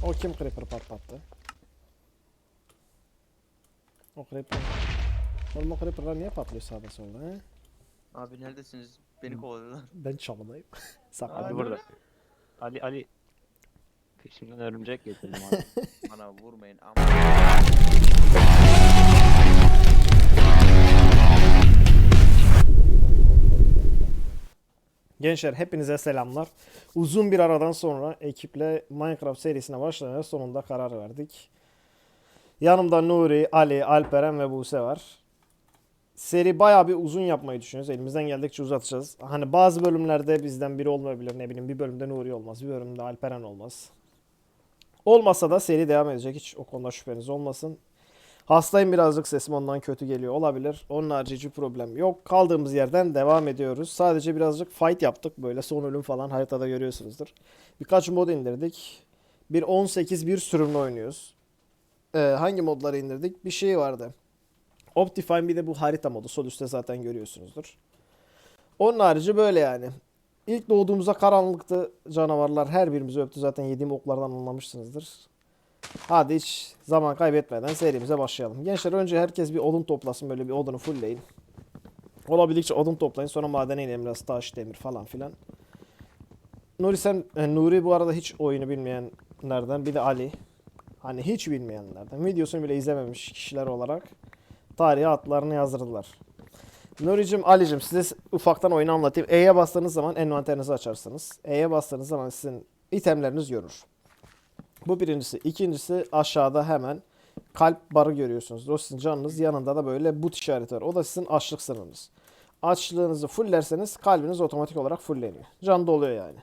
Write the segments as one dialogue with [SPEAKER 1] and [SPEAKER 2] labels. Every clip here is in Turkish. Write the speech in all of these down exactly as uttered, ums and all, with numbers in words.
[SPEAKER 1] O kim creeper patlattı? O creeper. Oğlum o creeperlar niye patlıyor sağda solda he?
[SPEAKER 2] Abi neredesiniz? Beni kovalıyorlar.
[SPEAKER 1] Ben çalıdayım.
[SPEAKER 3] Ali
[SPEAKER 1] Saklandım.
[SPEAKER 3] burada. Ali Ali peşimden örümcek getirdim Ali.
[SPEAKER 2] Bana vurmayın ama.
[SPEAKER 1] Gençler hepinize selamlar. Uzun bir aradan sonra ekiple Minecraft serisine başlamaya sonunda karar verdik. Yanımda Nuri, Ali, Alperen ve Buse var. Seri bayağı bir uzun yapmayı düşünüyoruz. Elimizden geldikçe uzatacağız. Hani bazı bölümlerde bizden biri olmayabilir. Ne bileyim bir bölümde Nuri olmaz. Bir bölümde Alperen olmaz. Olmasa da seri devam edecek. Hiç o konuda şüpheniz olmasın. Hastayım birazcık sesim ondan kötü geliyor olabilir. Onun harici hiçbir problem yok. Kaldığımız yerden devam ediyoruz. Sadece birazcık fight yaptık. Böyle son ölüm falan haritada görüyorsunuzdur. Birkaç mod indirdik. Bir on sekiz bir sürümle oynuyoruz. Ee, hangi modları indirdik? Bir şey vardı. Optifine bir de bu harita modu. Sol üstte zaten görüyorsunuzdur. Onun harici böyle yani. İlk doğduğumuzda karanlıktı canavarlar. Her birimizi öptü. Zaten yediğim oklardan anlamışsınızdır. Hadi hiç zaman kaybetmeden serimize başlayalım. Gençler önce herkes bir odun toplasın. Böyle bir odunu fullleyin. Olabildikçe odun toplayın. Sonra madene inelim biraz taş, demir falan filan. Nuri sen, e, Nuri bu arada hiç oyunu bilmeyenlerden. Bir de Ali. Hani hiç bilmeyenlerden. Videosunu bile izlememiş kişiler olarak tarihe adlarını yazdırdılar. Nuri'cim, Ali'cim size ufaktan oyunu anlatayım. E'ye bastığınız zaman envanterinizi açarsınız. E'ye bastığınız zaman sizin itemleriniz görür. Bu birincisi. İkincisi aşağıda hemen kalp barı görüyorsunuz. O sizin canınız. Yanında da böyle but işareti var. O da sizin açlık sınırınız. Açlığınızı fulllerseniz kalbiniz otomatik olarak fullleniyor. Can doluyor yani.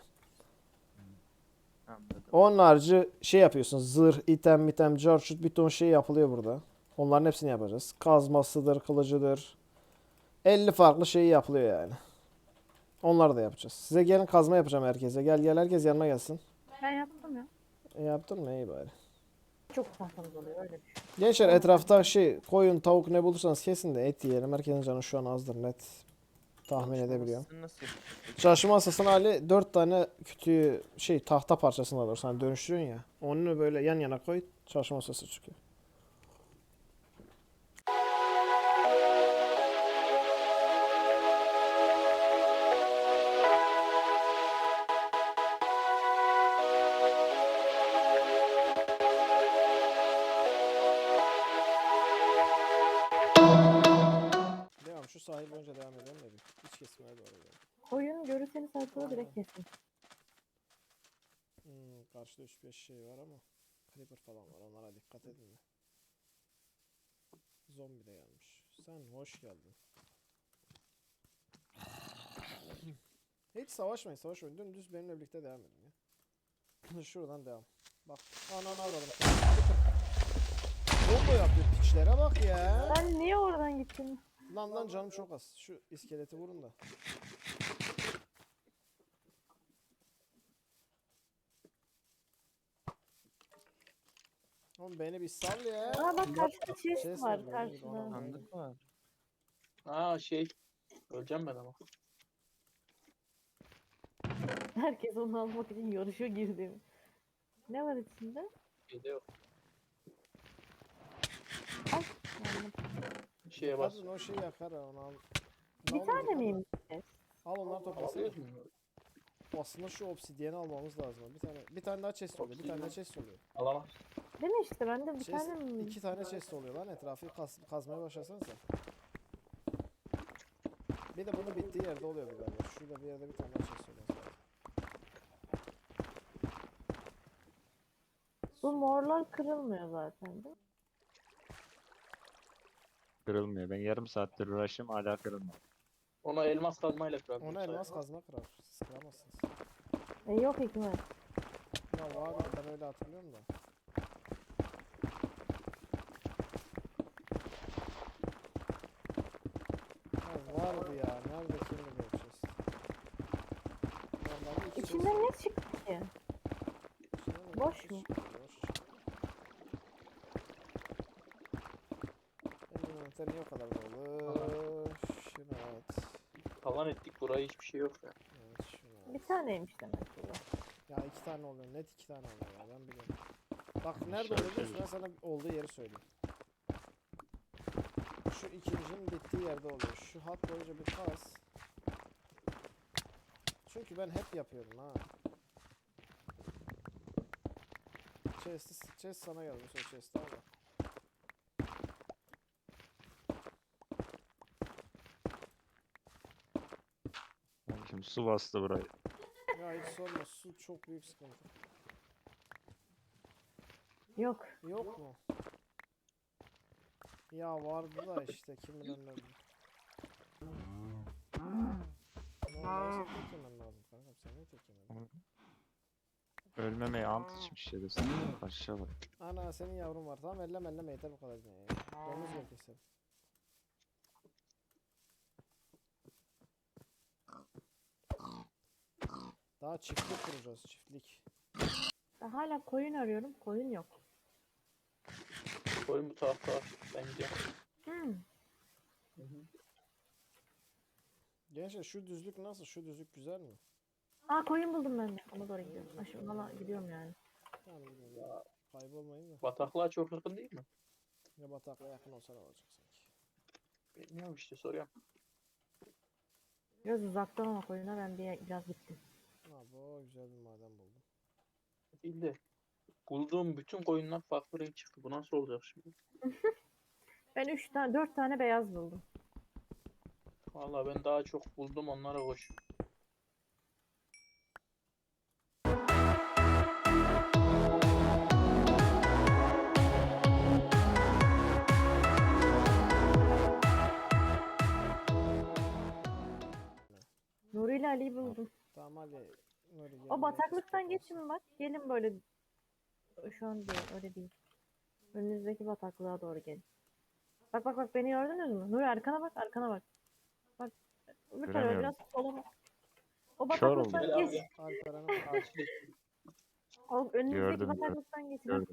[SPEAKER 2] Anladım.
[SPEAKER 1] Onun harici şey yapıyorsunuz. Zırh, item, mitem, carçut bir ton şey yapılıyor burada. Onların hepsini yapacağız. Kazmasıdır, kılıcıdır. elli farklı şey yapılıyor yani. Onları da yapacağız. Size gelin kazma yapacağım herkese. Gel gel herkes yanıma gelsin.
[SPEAKER 4] Ben yaptım ya.
[SPEAKER 1] E, yaptın mı? İyi bari.
[SPEAKER 4] Çok tahtamız oluyor öyle düşün.
[SPEAKER 1] Gençler etrafta şey koyun tavuk ne bulursanız kesin de et yiyelim. Herkesin canı şu an azdır net. Tahmin edebiliyorum.
[SPEAKER 2] Çalışma masasını nasıl yapıyorsun?
[SPEAKER 1] Çalışma masasına Ali dört tane kütüğü şey tahta parçasını alır. Hani dönüştürüyorsun ya. Onu böyle yan yana koy. Çalışma masası çıkıyor. Devam şu sahil önce devam edelim de bir. İç kesmeye doğru gidelim.
[SPEAKER 4] Koyun görürseniz haritada direkt kesin.
[SPEAKER 1] Hmm, karşıda üç beş şey var ama creeper falan var. Onlara dikkat edin de. Zombi de gelmiş. Sen hoş geldin. Hiç savaşmayın, savaşmayın. Dümdüz benimle birlikte devam edin ya. Şuradan devam. Bak. Ananı avradım. Combo yapıyor piçlere bak ya.
[SPEAKER 4] Ben niye oradan gittim?
[SPEAKER 1] Lan lan canım çok az. Şu iskeleti vurun da. Oğlum beni bir sal ya.
[SPEAKER 4] Aa bak karşıda chest
[SPEAKER 1] Chest
[SPEAKER 4] var
[SPEAKER 1] var, ben
[SPEAKER 4] karşıda.
[SPEAKER 1] onu-
[SPEAKER 2] Sandık var.
[SPEAKER 3] Aa şey. Öleceğim ben ama.
[SPEAKER 4] Herkes onu almak için yarışa girdi. Ne var içinde?
[SPEAKER 3] Şeyde yok.
[SPEAKER 4] Ay. yandım.
[SPEAKER 3] Şeye bas.
[SPEAKER 1] Kadın o şeyi yakar ha onu al. Ne
[SPEAKER 4] Bir
[SPEAKER 1] oldu
[SPEAKER 4] tane
[SPEAKER 1] kadın?
[SPEAKER 4] miyim? chest?
[SPEAKER 1] Al onları toplasın.
[SPEAKER 3] Alıyoruz mu?
[SPEAKER 1] Aslında şu obsidiyeni almamız lazım. Bir tane bir tane daha chest oluyor. Bir tane daha chest oluyor.
[SPEAKER 3] Alamaz.
[SPEAKER 4] Değil mi işte bende bir
[SPEAKER 1] Chest,
[SPEAKER 4] tane mi?
[SPEAKER 1] iki tane chest oluyor lan etrafı kaz, kazmaya başlasanıza. Bir de bunun bittiği yerde oluyor bir galiba. Şurada bir yerde bir tane daha chest oluyor.
[SPEAKER 4] Bu morlar kırılmıyor zaten değil mi?
[SPEAKER 3] Kırılmıyor. Ben yarım saattir uğraşıyorum hala kırılmıyor. Ona elmas kazmayla kırarım.
[SPEAKER 1] Ona elmas kazma kırar. Siz kıramazsınız.
[SPEAKER 4] E yok hikmet.
[SPEAKER 1] Ya var ben öyle hatırlıyorum da. Ya vardı ya. Nerede şimdi bu chest? Normalde iki chest
[SPEAKER 4] İçinden
[SPEAKER 1] var.
[SPEAKER 4] ne çıktı ki?
[SPEAKER 1] İçinden de
[SPEAKER 4] boş
[SPEAKER 1] bir
[SPEAKER 4] mu?
[SPEAKER 1] chest çıktı, boş. Benim envanter niye o kadar dolu? Şunu at.
[SPEAKER 3] Talan ettik buraya hiçbir şey yok ya.
[SPEAKER 1] Evet şunu at.
[SPEAKER 4] Bir taneymiş demek ki bu.
[SPEAKER 1] Ya iki tane oluyor. Net iki tane oluyor ya. Ben biliyorum. Bak nerede
[SPEAKER 3] Şöyle
[SPEAKER 1] oluyor biliyor musun?
[SPEAKER 3] şöyle.
[SPEAKER 1] Ben sana olduğu yeri söyleyeyim. Şu ikincinin bittiği yerde oluyor. Şu hat boyunca bir kaz. Çünkü ben hep yapıyorum ha. Chest, chest sana geldi. Sonra chest al bak.
[SPEAKER 3] Yani şimdi su bastı burayı.
[SPEAKER 1] Ya hiç sorma. Su çok büyük sıkıntı.
[SPEAKER 4] Yok.
[SPEAKER 1] Yok mu? Ya vardı da işte kim bilir nerede. Normalde sen tek yemen lazım kankam. Sen niye tek yemedin?
[SPEAKER 3] Ölmemeye ant içmiş ya da sen. Aşağı bak.
[SPEAKER 1] Ana senin yavrun var. Tamam elleme elleme yeter bu kadar. Ya. Domuz gel keselim. Daha çiftlik kuracağız çiftlik.
[SPEAKER 4] Ben hala koyun arıyorum. Koyun yok.
[SPEAKER 5] Koyun bu tarafta var. Ben gidiyorum.
[SPEAKER 4] Hmm.
[SPEAKER 1] Gençler şu düzlük nasıl? Şu düzlük güzel mi?
[SPEAKER 4] Aa koyun buldum ben de. Ona doğru gidiyorum. Ha, şimdi ona gidiyorum yani.
[SPEAKER 1] Tamam gidelim. Kaybolmayın da.
[SPEAKER 5] Bataklığa çok yakın değil mi?
[SPEAKER 1] Ya batakla yakın olsa ne olacak sanki.
[SPEAKER 5] Bilmiyorum işte soruyorum.
[SPEAKER 4] Biraz uzaktan ama koyuna ben bir, biraz gittim.
[SPEAKER 1] Ha bu güzel bir maden buldum.
[SPEAKER 5] Değil de. Bulduğum bütün koyunlar farklı renk çıktı. Bu nasıl olacak şimdi?
[SPEAKER 4] Ben üç tane, dört tane beyaz buldum.
[SPEAKER 5] Vallahi ben daha çok buldum onlara koş.
[SPEAKER 4] Nuri ile Ali'yi buldum.
[SPEAKER 1] Tamam hadi. Nuri gel.
[SPEAKER 4] O bataklıktan geçin bak. Gelin böyle. Şu an değil, öyle değil. Önünüzdeki bataklığa doğru gelin. Bak bak bak beni gördünüz mü? Nuri arkana bak, arkana bak. Bak. Bir tarafa
[SPEAKER 3] Göremiyorum.
[SPEAKER 4] biraz sola bak. O
[SPEAKER 3] Kör
[SPEAKER 4] bataklıktan
[SPEAKER 5] oldum.
[SPEAKER 4] geç.
[SPEAKER 1] Alperen'e bak.
[SPEAKER 5] Ağaçlı.
[SPEAKER 4] O önünüzdeki
[SPEAKER 3] Gördüm, gördüm.
[SPEAKER 4] bataklıktan geçin.
[SPEAKER 3] Gördüm.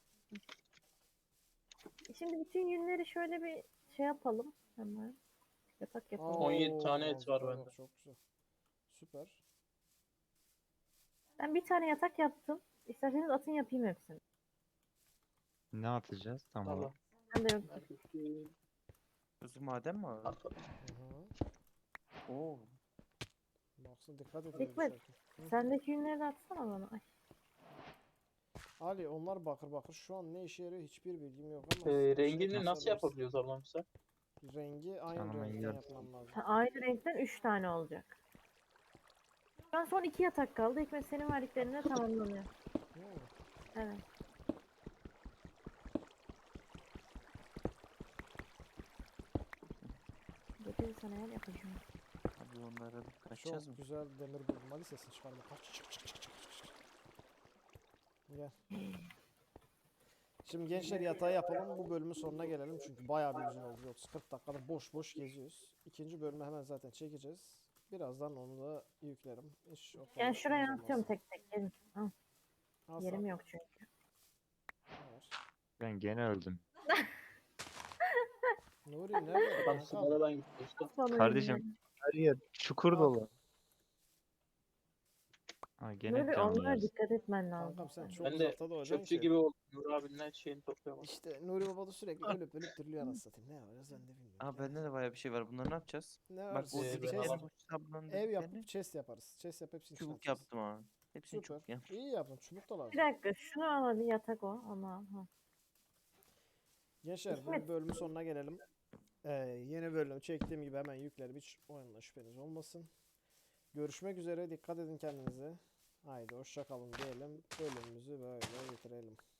[SPEAKER 4] Şimdi bütün yünleri şöyle bir şey yapalım. Hemen. Yatak yapalım.
[SPEAKER 5] on yedi tane et var
[SPEAKER 1] süper,
[SPEAKER 5] bende.
[SPEAKER 1] Çok güzel. Süper.
[SPEAKER 4] Ben bir tane yatak yaptım. İsterseniz atın yapayım hepsini.
[SPEAKER 3] Ne atacağız? Tamam.
[SPEAKER 5] Allah.
[SPEAKER 4] Ben de yok.
[SPEAKER 2] Kuzu maden mi abi?
[SPEAKER 5] At-
[SPEAKER 1] Hı hı.
[SPEAKER 2] Oo.
[SPEAKER 1] Baksana dikkat edin.
[SPEAKER 4] Hikmet.
[SPEAKER 1] düşerken. Hı.
[SPEAKER 4] Sendeki yünleri de atsana bana. Ay.
[SPEAKER 1] Ali onlar bakır bakır şu an ne işe yarıyor hiçbir bilgim yok ama.
[SPEAKER 5] Ee,
[SPEAKER 1] sen şey
[SPEAKER 5] rengini nasıl
[SPEAKER 1] tasarlarsın.
[SPEAKER 5] yapabiliyoruz ablam sen?
[SPEAKER 1] Rengi aynı
[SPEAKER 3] Tamam,
[SPEAKER 1] renkten
[SPEAKER 3] yap.
[SPEAKER 1] yapmam lazım.
[SPEAKER 4] Ha, aynı renkten üç tane olacak. Şu an son iki yatak kaldı. Hikmet senin verdiklerine tamamlanıyor.
[SPEAKER 1] Hı.
[SPEAKER 4] Evet. Getir sana yer yapacağım.
[SPEAKER 2] Abi onlara bir kaçacağız
[SPEAKER 1] Çok
[SPEAKER 2] mı?
[SPEAKER 1] güzel demir buldum. Hadi sesini çıkarma. Kaç çık çık çık çık çık çık. Gel. Şimdi gençler yatağı yapalım. Bu bölümün sonuna gelelim. Çünkü bayağı bir uzun oldu. Yoksa kırk dakikada boş boş geziyoruz. İkinci bölümü hemen zaten çekeceğiz. Birazdan onu da yüklerim. Hiç o kadar
[SPEAKER 4] Yani şuraya
[SPEAKER 1] işimiz
[SPEAKER 4] atıyorum
[SPEAKER 1] olmaz.
[SPEAKER 4] tek tek. Gelin. Al,
[SPEAKER 1] Al
[SPEAKER 4] yerim
[SPEAKER 1] sana.
[SPEAKER 4] yok çünkü.
[SPEAKER 1] Ver.
[SPEAKER 3] Ben gene öldüm.
[SPEAKER 1] Nuri nerede?
[SPEAKER 5] Tam
[SPEAKER 1] Kankam.
[SPEAKER 5] sınırdan gitti işte.
[SPEAKER 4] Sonra
[SPEAKER 3] Kardeşim,
[SPEAKER 4] yünleri.
[SPEAKER 3] her yer çukur
[SPEAKER 1] Al.
[SPEAKER 3] dolu. Ha gene
[SPEAKER 4] Nuri
[SPEAKER 3] canlı
[SPEAKER 4] onlara
[SPEAKER 3] yersin.
[SPEAKER 4] dikkat etmen lazım.
[SPEAKER 1] Kankam sen
[SPEAKER 4] senin.
[SPEAKER 1] çok
[SPEAKER 5] Ben de
[SPEAKER 1] uzakta da olacaksın
[SPEAKER 5] çöpçü
[SPEAKER 1] ki.
[SPEAKER 5] gibi oldum. Nur abinin her şeyini topluyorum.
[SPEAKER 1] İşte Nuri Baba da sürekli ölüp ölüp diriliyor anasını satayım. Ne yapacağız ben de bilmiyorum.
[SPEAKER 2] Aa
[SPEAKER 1] Ya.
[SPEAKER 2] bende de bayağı bir şey var. Bunları ne yapacağız?
[SPEAKER 1] Ne
[SPEAKER 2] Bak
[SPEAKER 1] var?
[SPEAKER 2] o
[SPEAKER 5] Ee, ben
[SPEAKER 2] dediklerini,
[SPEAKER 5] alamam.
[SPEAKER 2] bu sablanın
[SPEAKER 1] Ev
[SPEAKER 2] dediklerini
[SPEAKER 1] yapıp chest yaparız. Chest yap hepsini içine
[SPEAKER 2] çubuk
[SPEAKER 1] atacağız.
[SPEAKER 2] yaptım abi. Hepsini
[SPEAKER 1] Süper.
[SPEAKER 2] çubuk yaptım.
[SPEAKER 1] İyi yaptın. Çubuk da lazım.
[SPEAKER 4] Bir dakika şunu al hadi yatak o ama. Ha.
[SPEAKER 1] Gençler bu
[SPEAKER 4] Hikmet.
[SPEAKER 1] bölümün sonuna gelelim. Ee, yeni bölümü çektiğim gibi hemen yüklerim. Hiç oyunla şüpheniz olmasın. Görüşmek üzere. Dikkat edin kendinize. Haydi hoşça kalın diyelim. Bölümümüzü böyle bitirelim.